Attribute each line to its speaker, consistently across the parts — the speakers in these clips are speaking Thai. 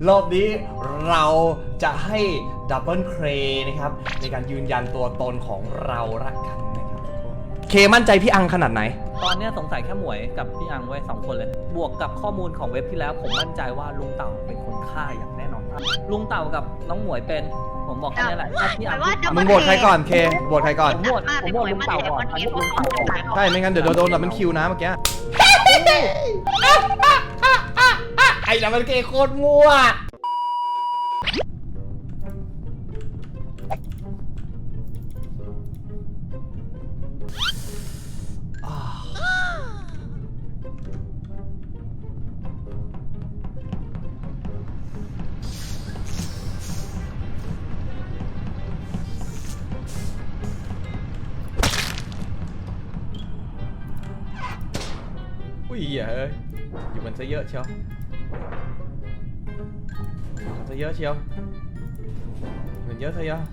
Speaker 1: รอบนี้เราจะให้ดับเบิลเครนะครับในการยืนยันตัวตนของเราละกันนะครับทุกคนเคมั่นใจพี่อังขนาดไหน
Speaker 2: ตอนเนี้ยสงสัยแค่หมวยกับพี่อังไว้2 คนเลย บวกกับข้อมูลของเว็บที่แล้วผมมั่นใจว่าลุงเต่าเป็นคนฆ่าอย่างแน่นอนครับลุงเต่ากับน้องหมวยเป็นผมบอกแค่นี้แหละถ้าพี่อัง
Speaker 1: มึงโหวตใครก่อนเคโหวตใครก่อน
Speaker 2: ผมโหวตลุงเต่าก่อนอันนี้ลุงเต่าก่อน
Speaker 1: ใช่ไม่งั้นเดี๋ยวโดนดับเบิลคิวนะเมื่อกี้ไอ้ดับเบิลเคโคตรมั่วอุ้ยเฮ้ยอยู่มันซะเยอะเชียวซะเยอะเชียวเงินเยอะซะเยอะ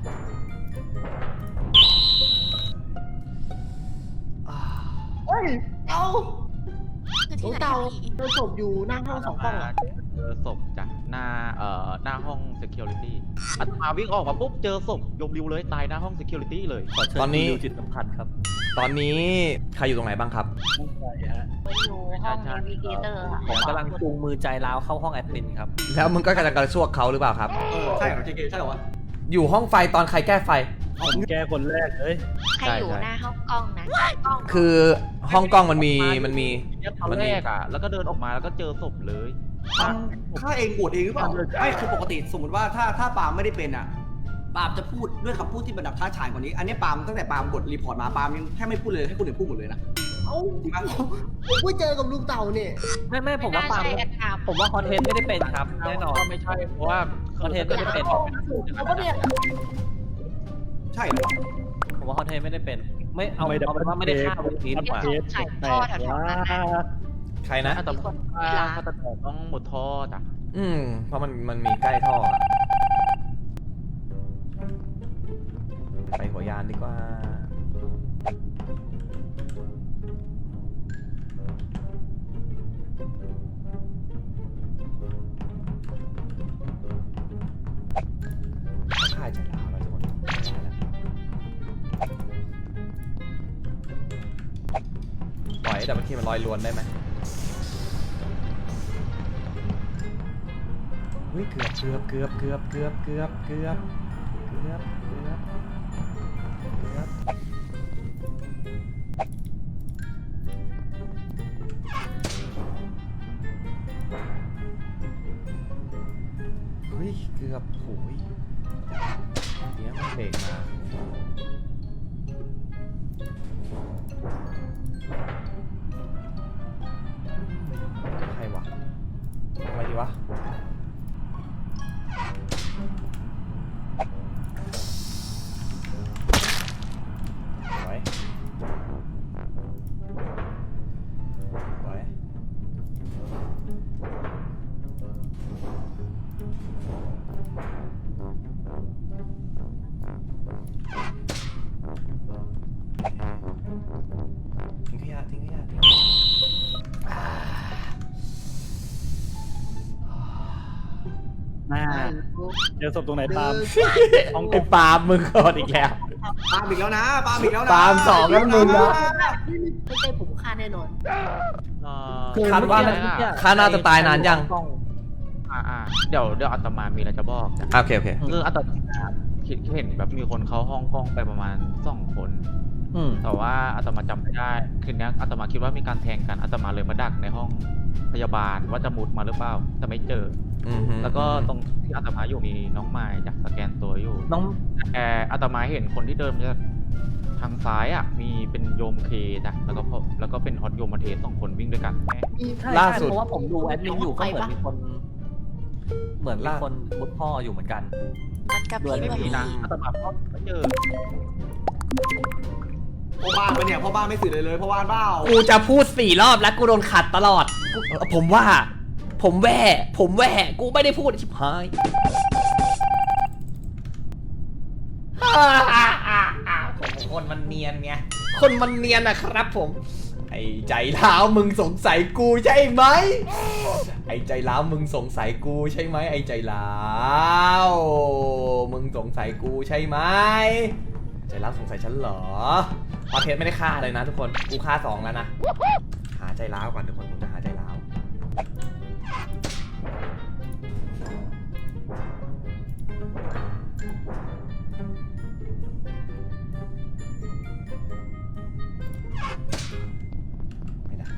Speaker 3: เฮ้ยเอา
Speaker 4: คือ
Speaker 3: ลู
Speaker 4: ที่
Speaker 3: ก
Speaker 4: ไหน
Speaker 3: เต่า
Speaker 4: อะพี่
Speaker 3: เจอศพอยู่หน้าห้อง2 กล้องอะ
Speaker 5: เจอศพจากหน้าห้อง security อาตมาวิ่งออกมาปุ๊บเจอศพยมริวเลยตายหน้าห้อง security เลย
Speaker 2: ขอเชิญ
Speaker 1: ตอนนี้
Speaker 2: ดูจิตสัมผัสครับ
Speaker 1: ตอนนี้ใครอยู่ตรงไหนบ้างครับ
Speaker 4: อยู่ห้องเนวิเกเตอร์ค่ะ
Speaker 2: ผมกำลังจูงมือใจร้าวเข้าห้องแอดมินครับ
Speaker 1: แล้วมึงก็กำลังกระซวกเขาหรือเปล่าครับ
Speaker 3: ใช่เหรอเจเกใช่เหรอวะ
Speaker 1: อยู่ห้องไฟตอนใครแก้ไฟ
Speaker 2: ผมแก้คนแรกเลย
Speaker 4: ใครอยู่หน้าห้องกล้องนะกล้อง
Speaker 1: คือห้องกล้องมันมี
Speaker 5: ตอนแรกอ่ะแล้วก็เดินออกมาแล้วก็เจอศพเลย
Speaker 3: ฆ่าเองบวชเองหรือเปล่าไม่คือปกติสมมติว่าถ้าปาล์มไม่ได้เป็นอ่ะปาล์มจะพูดด้วยคำพูดที่บรรดับท้าทายกว่านี้อันนี้ปาล์มตั้งแต่ปาล์มบทรีพอร์ตมาปาล์มยังแทบไม่พูดเลยให้คนอื่นพูดหมดเลยนะเอ้าจริงปะผมเพิ่งเจอกับลุงเต่าเนี่ย
Speaker 2: ไม่ผมว่าปาล์ม
Speaker 4: ใช่แอดตาม
Speaker 2: ผมว่าคอนเทนต์ไม่ได้เป็นครับแน่นอน
Speaker 5: ก็ไม่ใช่เพราะว่า
Speaker 2: คอนเทนต์ไม่ได้เป็น
Speaker 3: เขาก็เนี่ยใช่เหรอ
Speaker 2: ผมว่าคอนเทนต์ไม่ได้เป็นไม่เอาเป็นว่าไม่ได้ฆ่าวันนี้ดีกว่า
Speaker 4: ใส่ท่อแถวๆนั้นนะ
Speaker 1: ใครนะ
Speaker 5: อาตมาฆาตกรต้องหมดท่อจ้ะ
Speaker 1: เพราะมันมีใกล้ท่ออะไปหัวยานดีกว่า ค่ายใจร้าวแล้วทุกคนปล่อยให้ดับเบิลคีมันลอยลวนได้ไหมเฮ้ยเกือบเฮ้ยเกือบโหยเดี๋ยวมันเบรกมาใครวะทำไมดีวะไว้ไว้ทิ้งขยะ
Speaker 2: เจอศพตรงไหนปาล์ม
Speaker 1: ไอ้ปาล์มมึงก่อนอีกแล้ว
Speaker 3: ปาล์มอีกแล้วนะปาล์มอีกแล้วนะ
Speaker 1: ปาล์มสองแล้วมึงนะ
Speaker 3: ไม่ใช่ผมฆ่าแน่นอน
Speaker 1: คาดว่าค่าน่าจะตายนานยัง
Speaker 5: เดี๋ยวอาตมามีอะไรจะบอกจ้ะ
Speaker 1: โอเค
Speaker 5: คืออาตมาเห็นแบบมีคนเข้าห้องกล้องไปประมาณ2 คน แต่ว่าอาตมาจำไม่ได้คืนนี้อาตมาคิดว่ามีการแทงกันอาตมาเลยมาดักในห้องพยาบาลว่าจะมุดมาหรือเปล่าแต่ไม่เจอ แล้วก็ตรงที่อาตมาอยู่มีน้องไม้จากสแกนตัวอยู่
Speaker 2: น้อง
Speaker 5: แต่อาตมาเห็นคนที่เดินมาจากทางซ้ายอ่ะมีเป็นโยมเคจ้ะแล้วก็เป็นฮอตโยมมาเทส2 คนวิ่งด้วยกัน
Speaker 1: ล่าสุด
Speaker 2: เพราะว่าผมดูแอดมินอยู่ก็เหมือนมีคนมุดพ่ออยู่เหมือนกัน
Speaker 4: มันกับ
Speaker 2: ด้วย
Speaker 4: พี่
Speaker 5: ไม่
Speaker 4: แบบ
Speaker 5: มี
Speaker 4: นี้
Speaker 5: นะอาตมาก็ไม่เจอ
Speaker 3: พ่อบ้านไปเนี่ยพ่อบ้านไม่สื่อเลยพ่อบ้านเปล่า
Speaker 1: กูจะพูด4 รอบแล้วกูโดนขัดตลอด ผมแว่กูไม่ได้พูดชิบหายคนมันเนียนไงคนมันเนียนนะครับผมไอ้ใจร้าวมึงสงสัยกูใช่ไหมไอ้ใจร้าวมึงสงสัยกูใช่ไหมไอ้ใจร้าวมึงสงสัยกูใช่ไหมใจร้าวสงสัยฉันเหรอพอเทสไม่ได้ฆ่าเลยนะทุกคนกูฆ่า2แล้วนะหาใจร้าวก่อนทุกคนผมจะหาใจร้าวไม่ได้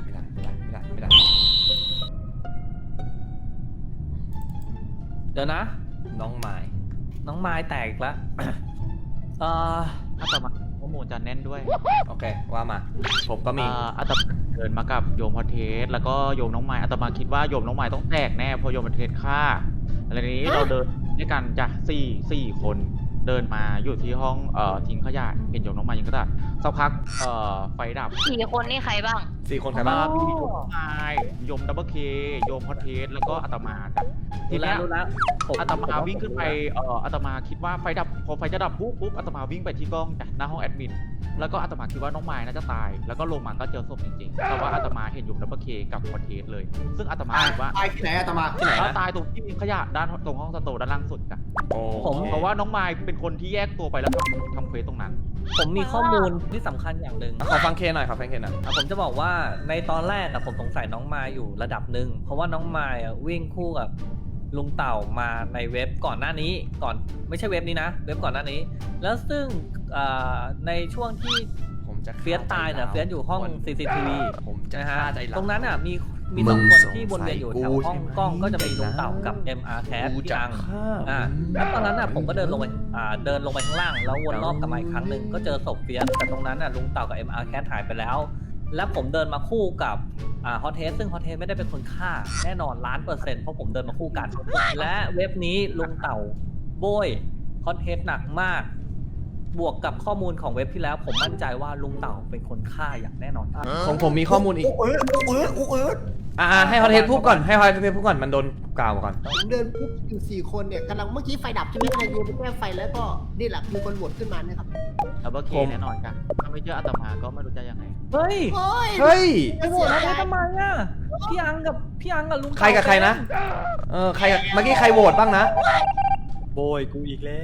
Speaker 2: เดี๋ยวนะ
Speaker 1: น้องไม้
Speaker 2: น้องไม้แตกอีกแล้ว
Speaker 5: อาตมาข้อมูลจะแน่นด้วย
Speaker 1: โอเคว่ามาผมก็มี
Speaker 5: อาตมาเดินมากับโยมพอเทสแล้วก็โยมน้องไม้อาตมาคิดว่าโยมน้องไม้ต้องแตกแน่เพราะโยมพอเทสฆ่าอะไรนี้เราเดินด้วยกันจากสี่คนเดินมาอยู่ที่ห้องทิ้งขยะเห็นโยมน้องไม้ยิงกระดาษสักพักไฟดับ
Speaker 4: 4 คนนี่ใครบ้าง
Speaker 1: 4 คนใครบ้าง
Speaker 5: มีโยมน้องไม้โยมดับเบิลเคโยมพอเทสแล้วก็อาตมาจ้ะที
Speaker 2: รู้แล้
Speaker 5: เนี้
Speaker 2: วย รู้แล้วผม
Speaker 5: อาตมาวิ่งขึ้นไปอาตมาคิดว่าไฟดับพอไฟจะดับปุ๊บอาตมาวิ่งไปที่กล้องจากหน้าห้องแอดมินแล้วก็อาตมาคิดว่าน้องไม้น่าจะตายแล้วก็ลงมาก็เจอศพจริงๆแต่ว่าอาตมาเห็นอยู่ดับเบิลเคกับคอนเทสเลย ซึ่งอาตมาคิดว่า
Speaker 3: ตายที่ไหนอาตมา
Speaker 1: ที่ไหน
Speaker 5: เขา
Speaker 1: นะ
Speaker 5: ตายตรงที่มีขยะด้านตรงห้องสโตร์ด้านล่างสุดกัน
Speaker 1: ผม
Speaker 5: เพราะว่าน้องไม้เป็นคนที่แยกตัวไปแล้วทำเควสตรงนั้น
Speaker 2: ผมมีข้อมูลที่สำคัญอย่างหนึ่ง
Speaker 1: ขอฟังเคหน่อยขอฟังเคหน่อย
Speaker 2: ผมจะบอกว่าในตอนแรกผมสงสัยน้องมายอยู่ระดับหนึ่งเพราะว่าน้องมายวิ่งคู่กับลุงเต่ามาในเว็บก่อนหน้านี้ก่อนไม่ใช่เว็บนี้นะเว็บก่อนหน้านี้ แล้วซึ่งในช่วงที่
Speaker 1: ผมจะ
Speaker 2: เฟียสตายเนี่ยเฟียสอยู่ห้อง CCTV
Speaker 1: ผมจะ
Speaker 2: นะฮะ
Speaker 1: ฆ่าใจร้าว
Speaker 2: ตรงนั้นมี
Speaker 1: มึ
Speaker 2: สอง
Speaker 1: ง
Speaker 2: คน
Speaker 1: สงสัย
Speaker 2: ที่วนเวียนอยู่แถวห้อง
Speaker 1: กูใช่ไหม
Speaker 2: กล้องก็จะเป็นลุงเต่ากับ MR Cat
Speaker 1: กู
Speaker 2: พี่
Speaker 1: จะ
Speaker 2: อัง
Speaker 1: ฆ่า
Speaker 2: แล้วตอนนั้นผมก็เดินลงไปเดินลงไปข้างล่างแล้ววนรอบกลับมาอีกครั้งหนึ่งก็เจอศพเฟียสแต่ตรงนั้นลุงเต่ากับ MR Cat หายไปแล้ว และผมเดินมาคู่กับฮอตเทสซึ่งฮอตเทสไม่ได้เป็นคนฆ่าแน่นอน1,000,000%เพราะผมเดินมาคู่กัน และเว็บนี้ลุงเต่าโบยฮอตเทสหนักมาก บวกกับข้อมูลของเว็บที่แล้ว ผมมั่นใจว่าลุงเต่าเป็นคนฆ่าอย่างแน่นอน
Speaker 1: ของผมมีข้อมูลอีก
Speaker 3: อุ๊ย
Speaker 1: ให้ฮอตเทสพูดก่อนให้ฮอตเทสพูดก่อนมันโดนกล่าวก่อน
Speaker 6: ผมเดินปุ๊บอยู่4 คนเนี่ยกำลังเมื่อกี้ไฟดับใช่ไหมใครโยนไปแก้ไฟแล้วก็นี่แหละมีคนโหวตขึ้นมาเนี่ยครับ
Speaker 5: ดับเบิลเค
Speaker 1: ผม
Speaker 5: แน่นอนกันถ้าไม่เจออาตมาก็ไม่รู้จะยังไง
Speaker 2: เฮ้ย
Speaker 6: โอ้ย
Speaker 1: เฮ้ย
Speaker 2: ไปโหวตฮอตเทสทำไมพี่อังกับลุงเต่า
Speaker 1: ใครกับใครนะใครเมื่อกี้ใครโหวตบ้างนะ
Speaker 7: โบยกูอีกแล้ว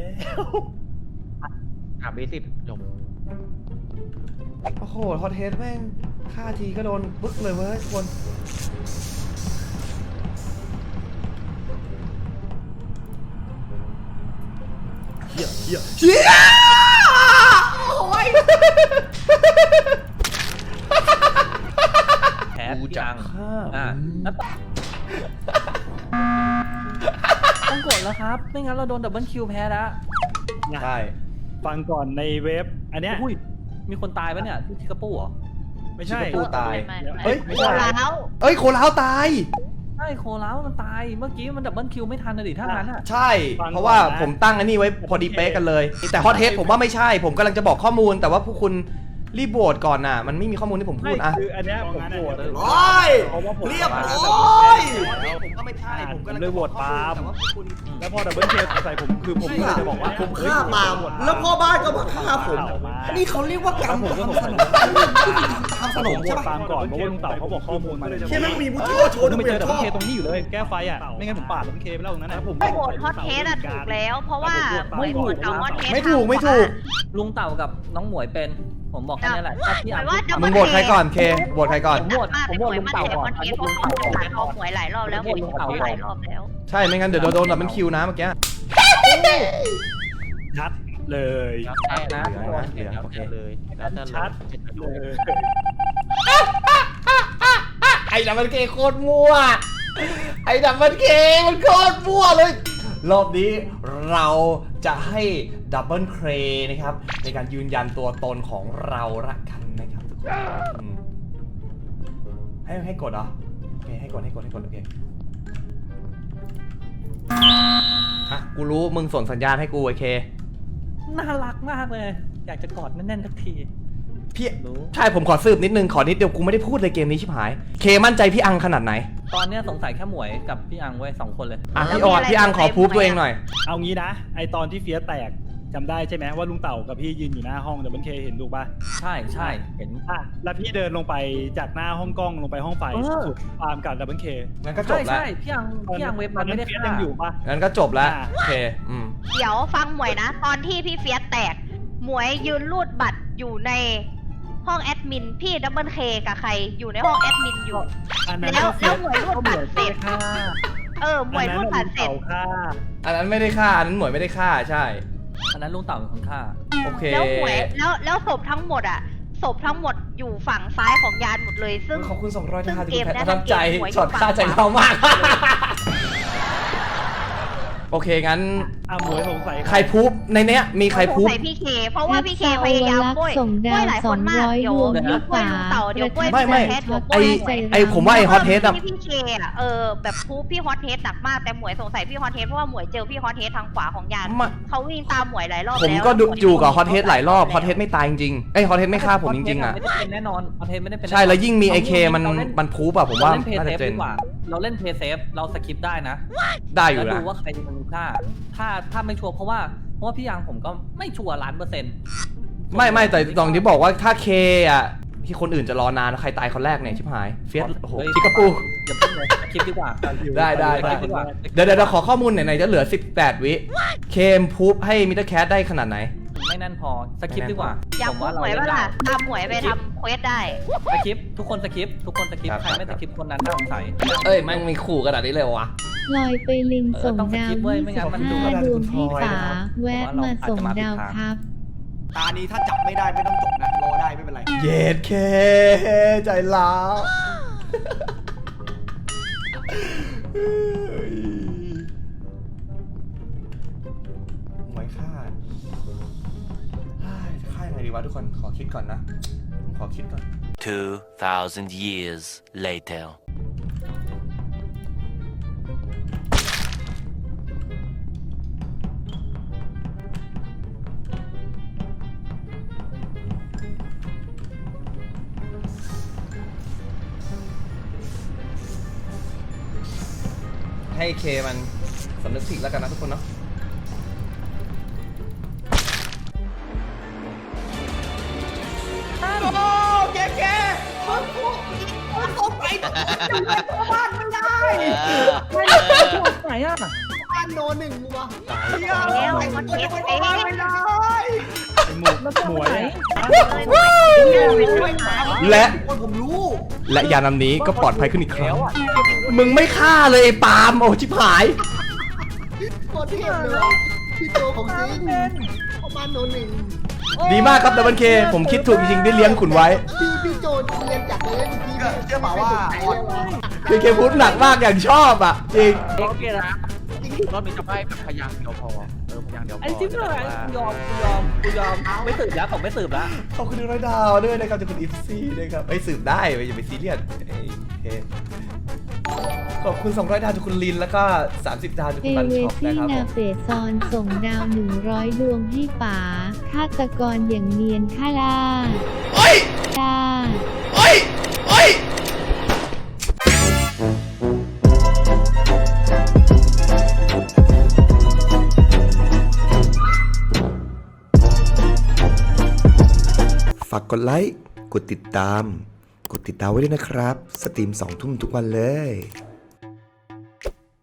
Speaker 5: ถามเบสิกจบ
Speaker 1: โอ้โหฮอตเทสแม่งฆ่าทีก็โดนบึ๊กเลยเว้ยทุกคนเฮียโอ้ย
Speaker 2: แคท
Speaker 1: กู
Speaker 2: พี่
Speaker 1: จะ
Speaker 2: อัง
Speaker 1: ฆ่า
Speaker 2: แล้วต้องกดแล้วครับไม่งั้นเราโดนดับเบิลคิวแพ้แล้ว
Speaker 1: ใช่
Speaker 7: ฟังก่อนในเว็บ อันเนี้ย
Speaker 2: อุ้ยมีคนตายปะเนี่ยที่กระปูเหรอ
Speaker 7: ไม่ใช่
Speaker 1: ผู้ตาย
Speaker 4: ไม่
Speaker 1: เฮ้ย
Speaker 4: โคแล้ว
Speaker 1: เอ้ยโคลาวตาย
Speaker 2: ใช่โคแล้วมันตายเมื่อกี้มันดับเบิลคิวไม่ทันนะดิถ้างั้นอ่ะ
Speaker 1: ใช่ เพราะว่าผมตั้งอันนี้ไว้พอดีเป๊ะกันเลย แต่ฮอตเทสผมว่าไม่ใช่ ผมกำลังจะบอกข้อมูล แต่ว่าพวกคุณรีบโหวตก่อนน่ะ มันไม่มีข้อมูลที่ผมพู
Speaker 7: ไม่
Speaker 1: ดอ่ะ
Speaker 7: คืออันเนี้ยผมโหวต
Speaker 3: ร้อย
Speaker 7: เพราะว่าผม
Speaker 3: เรียบ
Speaker 7: มา
Speaker 3: ร้อยผมก็ไม่ใช่ผมก็
Speaker 7: ผมเลยโหวตปาล์ม
Speaker 3: แต่ว่าคุณ
Speaker 7: แล้วพอดับเบิลเคใส่ผมคือผมก็เลยจะบอกว่า
Speaker 3: ผมฆ่าปาล์มแล้วพ่อบ้านก็มาฆ่าผม นี่เขาเรียกว่ากรรม
Speaker 7: ผมก็ผม
Speaker 3: ทำสนมทำสน
Speaker 7: ผม
Speaker 3: ม
Speaker 7: โหว
Speaker 3: ใช่
Speaker 7: ต
Speaker 3: ปะ
Speaker 7: ปาล์มก่อนเพราะว่าลุงเต่าเขาบอกข้อมูลมาเลย
Speaker 3: แค่ไม่มีมุทิโอโชว์
Speaker 7: ไม่
Speaker 3: ไม่
Speaker 7: เจ
Speaker 3: เจ
Speaker 7: อ
Speaker 3: อ
Speaker 7: ดับ
Speaker 3: ช
Speaker 7: เบิล
Speaker 3: อ
Speaker 7: เค
Speaker 3: บ
Speaker 7: ตรงนี้อยู่เลยแก้ไฟอ่ะไม่งั้นผมปาดดับเบิลเคไปแล้วตรงนั้นนะผม
Speaker 4: ไม่โหวตฮอตเทสถูกแล้ว เพราะว่าหมวยโหวตกับฮอตเทส
Speaker 1: ไม่ถูกไม่ถูก
Speaker 2: ลุงเต่ากับน้องหมวยเป็นผมบอกแค่นี้แหละถ้าพี่อัง
Speaker 1: มึงโหวตใครก่อนเคโหวตใครก่อน
Speaker 2: ผมโหวตลุงเต่าก่อน
Speaker 4: ฮอตเทสเพราะเขาผ่านเขาหมวยหลายรอบแล้วหมวยเขาหลายรอบแล้ว
Speaker 1: ใช่ ไม่งั้นเดี๋ยวโดนแบบมันคิวนะเมื่อกี้
Speaker 7: ชัดเลย
Speaker 5: แล้วแต่นะแล้วแต่เลยแล้วแต่
Speaker 7: ชัด
Speaker 5: เล
Speaker 7: เลย ย
Speaker 1: ไอ้ดับเบิลเคโคตรมั่ว ไอ้ดับเบิลเคมันโคตรมั่วเลย รอบนี้เราจะให้ดับเบิลเคนะครับในการยืนยันตัวตนของเราละกันนะครับทุกคนให้กดเหรอโอเคให้กดโอเคอ่ะกูรู้มึงส่งสัญญาณให้กูโอเค
Speaker 2: น่ารักมากเลย อยากจะกอดแน่นๆสักที
Speaker 1: พี่
Speaker 2: รู้
Speaker 1: ใช่ผมขอสืบนิดนึงขอนิดเดียวกูไม่ได้พูดเลยเกมนี้ชิบหายเคมั่นใจพี่อังขนาดไหน
Speaker 2: ตอนเนี้ยสงสัยแค่หมวยกับพี่อังไว้2 คนเลย
Speaker 1: อ่ะพี่อังขอพูฟตัวเองหน่อย
Speaker 7: เอางี้นะไอตอนที่เฟียสแตกจำได้ใช่ไหมว่าลุงเต่ากับพี่ยืนอยู่หน้าห้องดับเบิลเคเห็นถูกป่ะ
Speaker 2: ใช่ใช่เห็น
Speaker 7: แล้วพี่เดินลงไปจากหน้าห้องกล้องลงไปห้องไฟสุดปาล์มกับดับเบิลเค
Speaker 1: งั้นก็จ
Speaker 2: ใช่
Speaker 1: บแล้ว
Speaker 2: ใช่พี่ยังเว็บมันไม่ได้
Speaker 7: เฟียส
Speaker 2: ฆ่า
Speaker 7: ยังอยู่ป่ะ
Speaker 1: งั้นก็จบแล้ว
Speaker 7: อ่า
Speaker 1: โอเค
Speaker 4: เดี๋ยวฟังหมวยนะ ตอนที่พี่เฟียสแตก หมวยยืนรูดบัตรอยู่ในห้องแอดมิน พี่ดับเบิลเคกับใครอยู่ในห้องแอดมินอยู่
Speaker 7: อันนั้น
Speaker 4: แล้ว
Speaker 7: เฟียส
Speaker 4: หมวยรูดบัตรเสร็จ
Speaker 7: ฆ่า
Speaker 4: หมวยรูดบัตรเสร็จ
Speaker 1: อันนั้นไม่ได้ฆ่า อันนั้นหมวยไม่ได้ฆ่า ใช่
Speaker 2: อันนั้นลุงเต่าเป็นคนฆ่า
Speaker 1: โอเค
Speaker 4: แล้วหมวยแล้วศพทั้งหมดอะศพทั้งหมดอยู่ฝั่งซ้ายของยานหมดเลย ซึ่ง
Speaker 1: ขอบคุณ200ท่า
Speaker 4: ซึ่
Speaker 1: ที่
Speaker 4: ง
Speaker 1: คุณแพท
Speaker 4: เกม
Speaker 1: ประทับใจ
Speaker 4: หวยอยู่
Speaker 1: ช็อตฆ่าใจ
Speaker 4: ฝั่งขวา
Speaker 1: เรามาก โอเค งั้น
Speaker 7: หมวยสงสัย
Speaker 1: ใครพูบในเนี้ย มีใครพูบ
Speaker 4: ใส่พี่เค เพราะว่าพี่เคพยายามบ้วย
Speaker 8: ส่งดาว
Speaker 4: หลายคนมาก
Speaker 8: 200
Speaker 4: เดี๋ยว
Speaker 8: ดวง
Speaker 4: เดี๋ยวบ้วยลุงเต่าเดี๋ยวบ้วย
Speaker 1: ไม่
Speaker 4: พี่ฮอตเทสเดี๋ยว
Speaker 1: ไอ้
Speaker 4: บ้วย
Speaker 1: ไอ้ผมว่าไอ้ฮอตเทสอะ
Speaker 4: พี่เคอะแบบพูพี่ฮอตเทสหนักมากแต่หมวยสงสัยพี่ฮอตเทสเพราะว่าหมวยเจอพี่ฮอตเทสทางขวาของยาน
Speaker 1: ไม่
Speaker 4: เขาวิ่งตามหมวยหลายรอบ
Speaker 1: ผม
Speaker 4: แล้ว
Speaker 1: ก็ดู
Speaker 4: แล้วหมว
Speaker 1: อยู่กับฮอตเทสหลายรอบ ฮอตเทสไม่ตายจริงๆเอ้ยฮอตเทสไม่ฆ่าผมจริงๆอ่ะ
Speaker 2: ไม่ได้เป็นแน่นอนคอนเทนต์ไม่ได้เป็น
Speaker 1: ใช่ แล้วยิ่งมีไอเคมันพูบอะผมว่า
Speaker 2: เล่นเพย์
Speaker 1: น่า
Speaker 2: เซ
Speaker 1: จะ
Speaker 2: ฟ
Speaker 1: เจ
Speaker 2: ดี
Speaker 1: น
Speaker 2: กว่า เราเล่นเพย์เซฟเราสคิปได้นะ
Speaker 1: ได้อยู่
Speaker 2: แล้ว
Speaker 1: นะ
Speaker 2: ดูว่าใครเป็นคนฆ่าถ้าไม่ชัวร์เพราะว่าพี่ยังผมก็ไม่ชัวร์100%
Speaker 1: ไม่แต่ตอนที่บอกว่าถ้าเคอะที่คนอื่นจะรอนานใครตายคนแรกเนี่ยชิบหาย เฟียสโอ้โหชิคาปู
Speaker 2: อย่าเพิ่งเลยคลิปดีกว่า
Speaker 1: ได้
Speaker 2: คลิปดีกว่า
Speaker 1: เดี๋ยวขอข้อมูลไหนๆจะเหลือ18 วิเคมพูบให้มิสเตอร์แคทได้ขนาดไหน
Speaker 2: ไม่แน่นพอสคริปต์ดีกว่า
Speaker 4: อยาก
Speaker 2: ผม
Speaker 4: พูด
Speaker 2: ว่า
Speaker 4: หมวย
Speaker 2: เล่
Speaker 4: ว่าน
Speaker 2: ได้
Speaker 4: ล่ะตามหมวยไปทำเควสได้
Speaker 2: สคริปต์ทุกคนสคริปต์
Speaker 1: ครับ
Speaker 2: ใครไม่สคริปต์คนนั้นน่าสงสัย
Speaker 1: เอ้ยแม่งมีขู่ขนาดนี้เลยวะ
Speaker 8: ลอยไปลิงส่ง
Speaker 2: ต้องส
Speaker 8: ดา
Speaker 2: คว ริปต์เว้ยไม่งั้นมันดู
Speaker 8: 25 ดวงให้
Speaker 1: ผมว่า
Speaker 8: ป๋า
Speaker 1: เรา
Speaker 8: แวะมาส่งดาวครับ
Speaker 3: ตานี้ถ้าจับไม่ได้ไม่ต้องจบนะ รอได้ไม่เป็นไร
Speaker 1: เย็ดเคใจร้าวหมวยฆ่าฆ่ายังไงดีวะทุกคนขอคิดก่อนนะผมขอคิดก่อน
Speaker 9: 2,000 years later.
Speaker 1: ให้เคมันสำนึกผิดแล้วกันนะทุกคนเนาะ
Speaker 3: โอ้แกมันตกไปตกไปตัวบ้านไม่ได้
Speaker 2: ไหนอ่ะ
Speaker 6: บ้านโนหนึ่งวะ
Speaker 4: แล้วมันเทสเอง
Speaker 3: ไม่ได้
Speaker 7: หมวย
Speaker 1: และ
Speaker 3: คนผมรู้
Speaker 1: และยานำนี้ก็ปลอดภัยขึ้นอีกครั้ง มึงไม่ฆ่าเลยไอ้ปาล์มโอ้ชิบหาย
Speaker 6: โคตรเทพเลยพี่โจของจริงเข้าบ้านโนหนึ่ง
Speaker 1: ดีมากครับดับเบิลเคผมคิดถูกจริงๆที่เลี้ยงคุณไว้
Speaker 6: พี่โจเรียนจากเลยเมื่อกี้
Speaker 3: เชื่อเปล่าว่า
Speaker 1: คือเคพูดหนักมากอย่างชอบอ่ะ จริง
Speaker 2: โอเคนะ
Speaker 5: รอบนี้จะไปแบบพยางค์เดียวพอพยางค์เดียวพอ
Speaker 2: ไอ้จิ๊บเลยกูยอมไม่สืบแล้วผมไม่สืบแล้ว
Speaker 1: ขอบคุณ100 ดาวด้วยนะครับจากคุณอิฟซี่ด้วยครับไอ้ยสืบได้อย่าไปซีเรียสเอ้ยเคขอบคุณ200 ดาวจากคุณลินแล้วก็30 ดาวจาก
Speaker 8: เอ
Speaker 1: คุณบัน
Speaker 8: เว
Speaker 1: ช็อป
Speaker 8: ซี่
Speaker 1: นะครับผ
Speaker 8: นาม เฟซอนส่งดาว 100 ดวงให้ป๋าฆาตกรอย่างเนียนฆ่าล่า
Speaker 1: โอ้ย
Speaker 8: ล่า
Speaker 1: โอ้ยโอ้ยฝากกดไลค์ กดติดตามไว้ด้วยนะครับ สตรีม2 ทุ่มทุกวันเลย